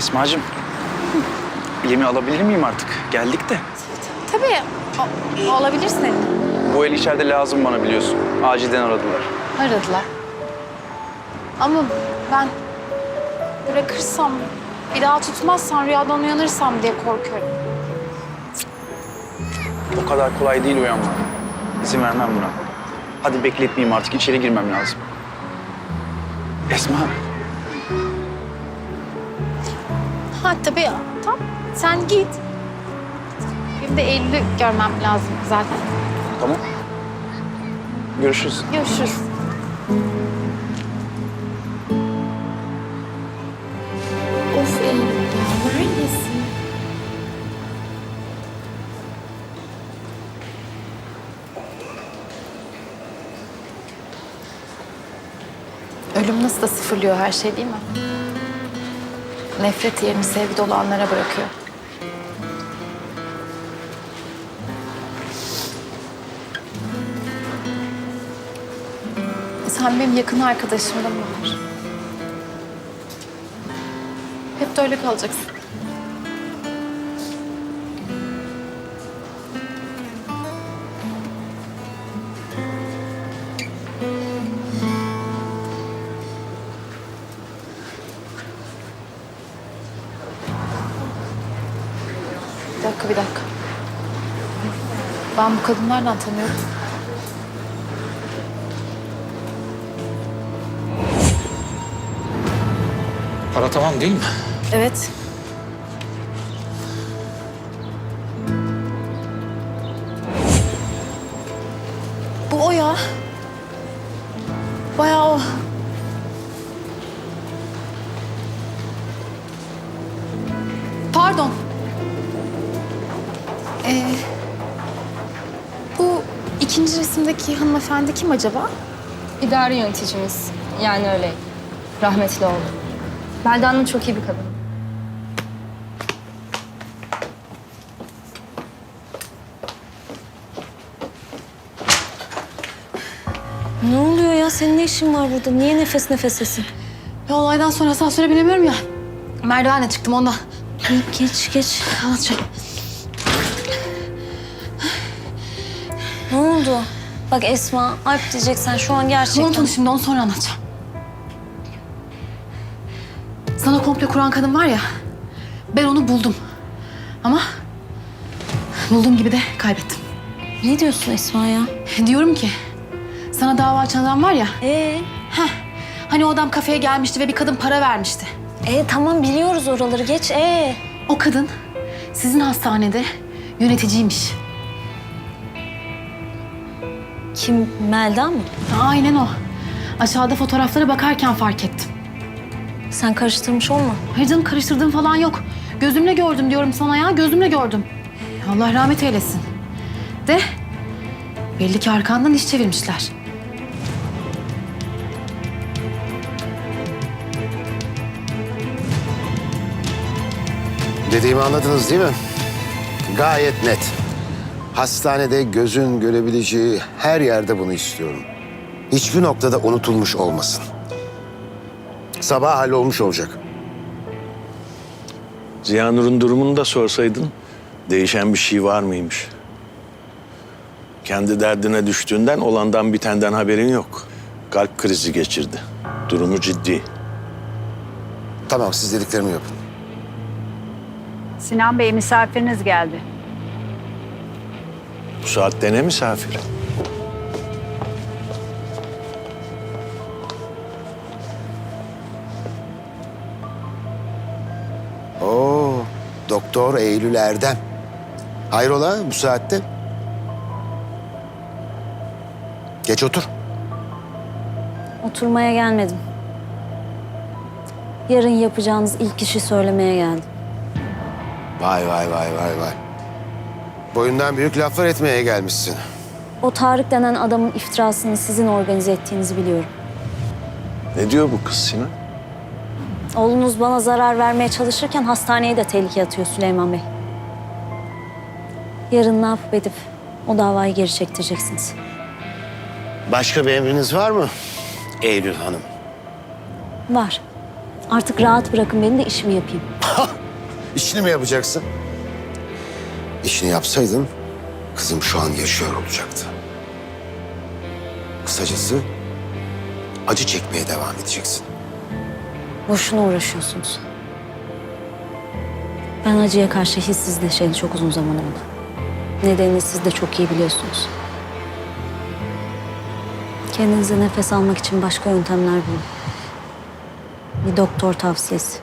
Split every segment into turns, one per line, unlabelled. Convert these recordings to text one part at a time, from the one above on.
Esma'cığım, yemeği alabilir miyim artık? Geldik de.
Tabii. Olabilir senin.
Bu el içeride lazım bana biliyorsun. Acilden aradılar.
Aradılar. Ama ben bırakırsam, bir daha tutmazsan, rüyadan uyanırsam diye korkuyorum.
O kadar kolay değil uyanmak. İzin vermem buna. Hadi bekletmeyeyim artık. İçeri girmem lazım. Esma.
Ha tabii. Tamam. Sen git. Benim de Eylül'ü görmem lazım zaten.
Tamam. Görüşürüz.
Görüşürüz.
Of Eylül ya, neredesin?
Ölüm nasıl da sıfırlıyor her şey değil mi? Nefret yerini sevgi dolu anlara bırakıyor. Sen benim yakın arkadaşımdın Bahar. Hep de öyle kalacaksın. Bir dakika. Ben bu kadını nereden tanıyorum?
Para tamam değil mi?
Evet. Bu o ya. Bayağı o. Pardon. Bu ikinci resimdeki hanımefendi kim acaba?
İdari yöneticimiz. Yani öyle. Rahmetli oldu. Melda Hanım çok iyi bir kadın.
Ne oluyor ya? Senin ne işin var burada? Niye nefes nefesesin?
Ya olaydan sonra asansöre binemiyorum ya. Merdivenle çıktım ondan.
Geç.
Anlatacağım.
Ne oldu? Bak Esma, Alp diyeceksen şu an gerçekten...
Unut onu şimdi, onu sonra anlatacağım. Sana komple kuran kadın var ya, ben onu buldum. Ama bulduğum gibi de kaybettim.
Ne diyorsun Esma ya?
Diyorum ki, sana dava açan adam var ya, hani o adam kafeye gelmişti ve bir kadın para vermişti.
Tamam biliyoruz oraları, geç.
O kadın sizin hastanede yöneticiymiş.
Kim, Melda mı?
Aynen o. Aşağıda fotoğraflara bakarken fark ettim.
Sen karıştırmış olma.
Hayır canım, karıştırdığım falan yok. Gözümle gördüm diyorum sana ya, gözümle gördüm. Allah rahmet eylesin. De belli ki arkandan iş çevirmişler.
Dediğimi anladınız değil mi? Gayet net. Hastanede gözün görebileceği her yerde bunu istiyorum. Hiçbir noktada unutulmuş olmasın. Sabah hallolmuş olacak.
Ziyanur'un durumunu da sorsaydın, değişen bir şey var mıymış? Kendi derdine düştüğünden olandan bitenden haberin yok. Kalp krizi geçirdi. Durumu ciddi.
Tamam, siz dediklerimi yapın.
Sinan Bey, misafiriniz geldi.
Bu saatte ne misafiri?
Oo, Doktor Eylül Erdem. Hayrola bu saatte? Geç otur.
Oturmaya gelmedim. Yarın yapacağınız ilk işi söylemeye geldim.
Vay. Boyundan büyük laflar etmeye gelmişsin.
O Tarık denen adamın iftirasını sizin organize ettiğinizi biliyorum.
Ne diyor bu kız Sinan?
Oğlunuz bana zarar vermeye çalışırken hastaneye de tehlikeye atıyor Süleyman Bey. Yarın ne yapıp edip o davayı geri çektireceksiniz.
Başka bir emriniz var mı Eylül Hanım?
Var. Artık rahat bırakın beni de işimi yapayım.
İşini mi yapacaksın? İşini yapsaydın kızım şu an yaşıyor olacaktı. Kısacası acı çekmeye devam edeceksin.
Boşuna uğraşıyorsunuz. Ben acıya karşı hissizleşeli çok uzun zaman oldu. Nedenini siz de çok iyi biliyorsunuz. Kendinize nefes almak için başka yöntemler bulun. Bir doktor tavsiyesi.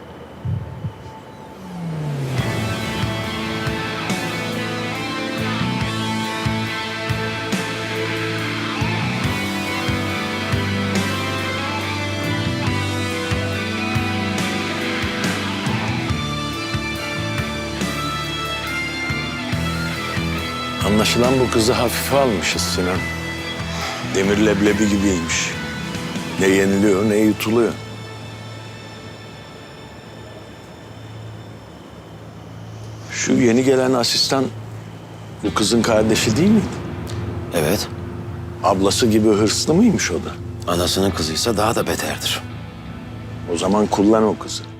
Anlaşılan bu kızı hafife almışız Sinan. Demir leblebi gibiymiş. Ne yeniliyor ne yutuluyor. Şu yeni gelen asistan bu kızın kardeşi değil miydi?
Evet,
Ablası gibi hırslı mıymış o da?
anasının kızıysa daha da beterdir.
O zaman kullan o kızı.